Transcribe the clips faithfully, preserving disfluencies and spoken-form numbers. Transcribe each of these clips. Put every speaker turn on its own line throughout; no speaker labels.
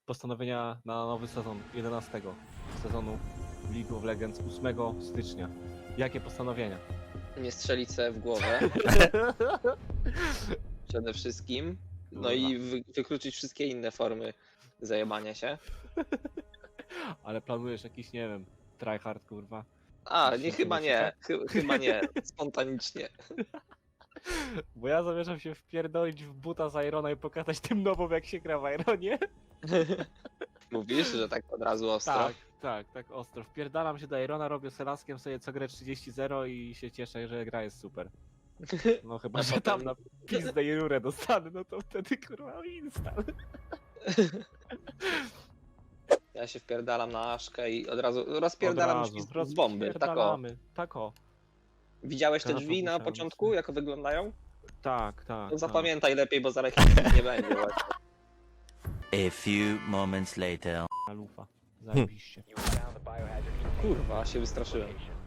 postanowienia na nowy sezon jedenastego sezonu League of Legends ósmego stycznia. Jakie postanowienia?
Nie strzelić sobie w głowę. Przede wszystkim. No
Kurwa.
i wy wykluczyć wszystkie inne formy zajebania się.
Ale planujesz jakiś, nie wiem, tryhard, kurwa?
A,
Coś
nie,
się
chyba
pomyśli,
nie.
tak?
Chy chyba nie. Spontanicznie.
Bo ja zamierzam się wpierdolić w buta z Irona i pokazać tym nowym, jak się gra w Ironie.
Mówisz, że tak od razu ostro?
Tak, tak, tak ostro. Wpierdalam się do Irona, robię z Elaskiem sobie co grę trzydzieści zero i się cieszę, że gra jest super. No chyba,
A
że
potem-
tam na pizdę i rurę dostanę, no to wtedy kurwa instant.
Ja się wpierdalam na Aszkę i od razu rozpierdalam
Od
drzwi
razu,
z, z bomby. Tak o.
rozpierdalamy. Tak o.
Widziałeś te
Granatów
drzwi na
musiałem
początku,
sobie.
jak wyglądają?
Tak, tak.
To
tak.
zapamiętaj lepiej, bo zaraz ich nie będzie właśnie.
A few moments later.
Na lufa. Zajebiście.
Kurwa, się wystraszyłem.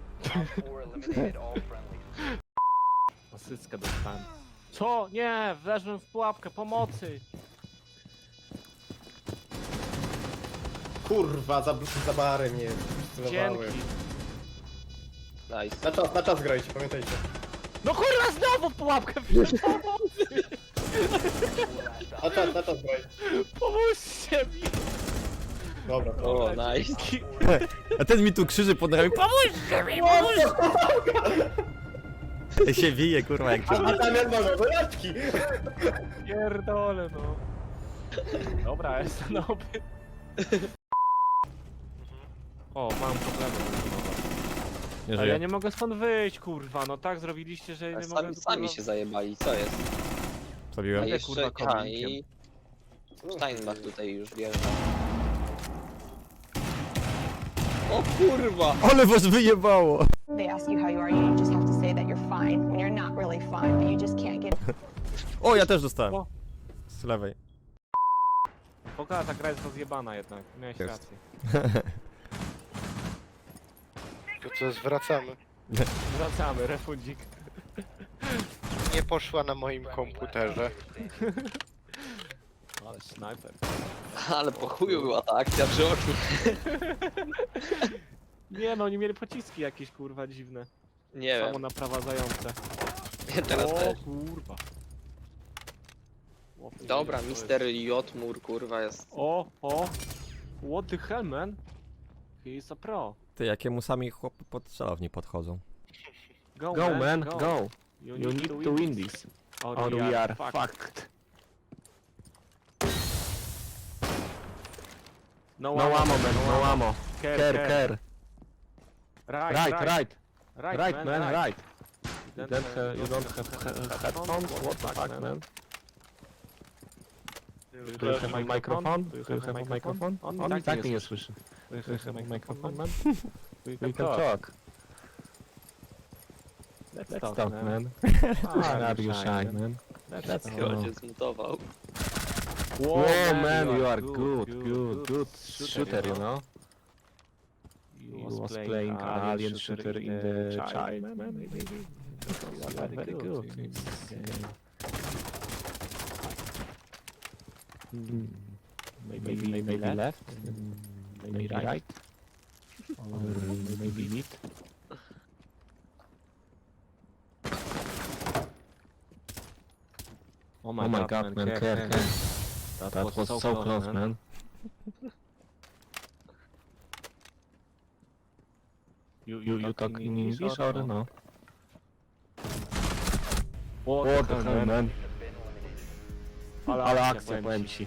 Asyckę dostałem. Co? Nie! Wleżłem w pułapkę, pomocy!
Kurwa, za, za bary mnie celowały.
Dzięki.
Nice.
Na czas, na czas grajcie, pamiętajcie.
No kurwa, znowu w pułapkę wszedł! Pomocy!
Na czas, na czas grajcie.
Pomóżcie mi!
Dobra, to.
O, nice.
A ten mi tu krzyży pod nogami. Pomóżcie mi, pomóżcie! się wije, kurwa, jak
A,
cię.
a tam jak może, do jaczki!
Pierdolę, no. Dobra, jestem nowy. O, mam problemy.
Nie
Ale ja
żyje.
nie mogę stąd wyjść, kurwa, no tak zrobiliście, że nie mogę...
Sami, sami się zajebali, co jest? A
Zabiłem.
Będę,
jeszcze,
kurwa,
a i Steinbach tutaj już wjeżdża. O kurwa!
Ale was wyjebało!
They ask you how you are, you just have to say that you're fine when you're not really fine, but you just can't get
O, ja też dostałem.
O.
Z lewej.
Pokaż, ta gra jest rozjebana jednak, miałeś
Jest.
rację.
To co, zwracamy.
Wracamy, refundzik.
Nie poszła na moim komputerze.
Ale snajper.
Ale po chuju była ta akcja przy oczu.
Nie no, oni mieli pociski jakieś, kurwa, dziwne.
Nie
Samo
wiem,
naprowadzające.
teraz
o,
też.
kurwa. O,
Dobra,
to jest-
mister Jotmur kurwa jest.
O, o. What the hell, man? He is a pro.
Ty, jakiemu sami chłopy pod celowni podchodzą.
Go,
Go man,
go.
go.
You,
You need to win this,
Or,
or we are
fucked.
fucked.
No,
No ammo man, no ammo.
Care,
Care,
care.
care.
Right,
Right, right,
Right,
right man, right.
You
You don't have, you don't have he- headphones? What the fuck man? Do you have a microphone? Do you have a microphone? On
tak
tak
mnie
mnie nie
słyszy.
słyszy.
Do you have a microphone, man? We
We can talk.
Let's
Let's
talk,
talk
man.
man.
Why
Are you shy man?
Let's
Oh.
Chyba cię zmutował.
Whoa man, you are good, good, good shooter, you know? You was playing alien shooter in the child, man. Maybe. You are very good. Mm, Maybe, maybe, maybe left, mm, maybe right, or maybe mid.
Oh
Oh my god, man, care, care. That was so close, man. You, you, you talk in English or no?
What
the hell, man?
Ale
Ale
akcja,
akcja, powiem ci.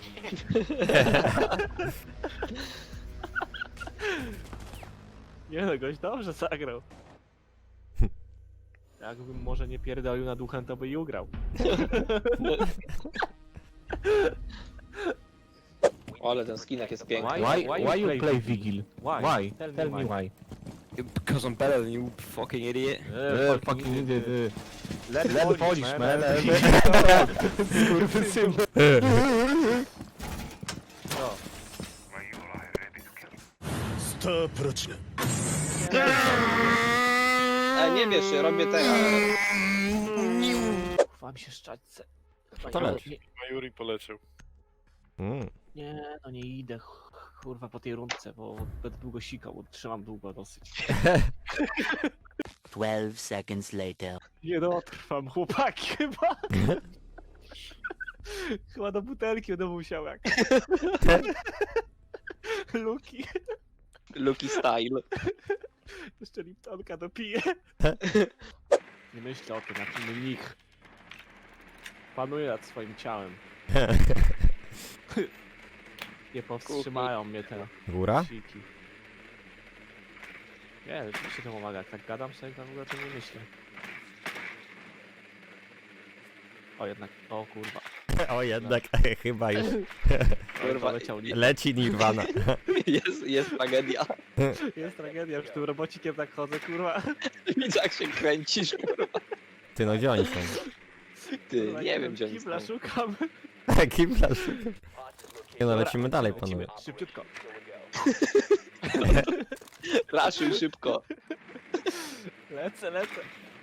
Nie no, gość dobrze zagrał. Jakbym może nie pierdolił na duchem, to by i ugrał.
O, ale ten skinek jest piękny.
Why,
Why
why,
you
you
play
play Vigil?
Why?
Why?
Tell me
Tell me
why.
why.
Because I'm better than you, fucking idiot.
Eh, fucking idiot. eh.
Let,
Let Polish, man.
Kurwysyn.
E, nie wiesz, ja robię te...
Wam się szczać.
To leci.
Majuri poleciał.
Mm.
Nie, no nie idę, ch- kurwa, po tej rundce, bo będę długo sikał, bo trzymam długo dosyć.
Twelve seconds later.
Nie dotrwam, chłopaki, chyba. Chyba do butelki będę musiał jak. Luki,
Lucky style.
jeszcze Liptonka dopiję. Nie myślę o tym, jak inny nich. Panuję nad swoim ciałem. Nie powstrzymają mnie te
Góra?
siki. Nie, rzeczywiście to pomaga, jak tak gadam sobie, to w ogóle o tym nie myślę. O jednak, o kurwa.
O jednak, chyba już.
Kurwa,
leciał nie.
Leci Nirvana.
Jest, jest tragedia.
Jest tragedia, już tym robocikiem tak chodzę, kurwa.
Widzę jak się kręcisz, kurwa.
Ty, no gdzie oni są?
Ty,
Kurwa,
nie wiem gdzie oni
Kibla
są.
szukam.
Kibla szukam. Nie no, lecimy dalej,
Lecimy,
panowie.
szybciutko.
Raszuj szybko.
Lecę, lecę.